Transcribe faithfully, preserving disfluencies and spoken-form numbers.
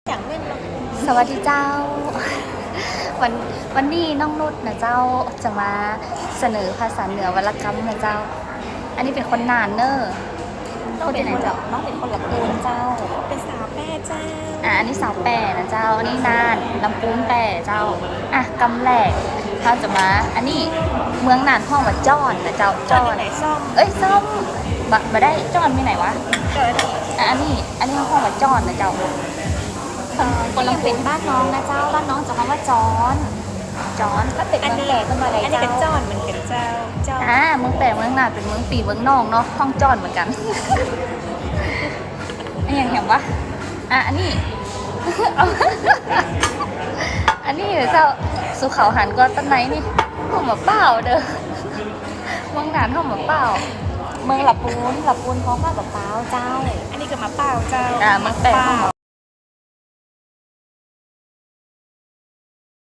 อย่างเล่นเราสวัสดีเจ้า วันวันนี้น้องนุชนะเจ้าจะมาเสนอภาษาเหนือวรรณกรรมนะเจ้า อันนี้เป็นคนนานเนอร์น้องเป็นคนหลักน้องเป็นคนหลักปูนเจ้า เป็นสาวแม่เจ้าอ่ะอันนี้สาวแปรนะเจ้า อันนี้นานลำปูนแปรเจ้า อ่ะกำแหลกเขาจะมา อันนี้เมืองนานห้องว่าจ้อนนะเจ้าจอจ้นอนไหนซ่อมเอ้ยส้มบะบะได้จ้อนมีไหนวะเกิดอ่ะอันนี้อันนี้ห้องว่าจ้อนนะเจ้าคนยังเป็นบ้านน้องนะเจ้าบ้านน้องจะคำว่าจอนจอนก็เป็นเมืองแก่ขึ้นมาเลยเจ้าอันนี้เป็นจอนเหมือนเป็นเจ้าจอนอ่าเมืองแปรเมืองนานเป็นเมืองปีเมืองนองเนาะห้องจ้อนเหมือนกัน อันอย่างเห็นปะอ่ะอันนี้ อันนี้เจ้าสุเขาหันก็ต้นไหนนี่ห้องหมาเปล่าเด้อ เมืองนานห้องหมาเปล่าเมืองหลับปูนหลับปูนพร้อมกับเปล่าเจ้า อันนี้ก็มาเปล่าเจ้าอ่าเมืองแปรห้องหมา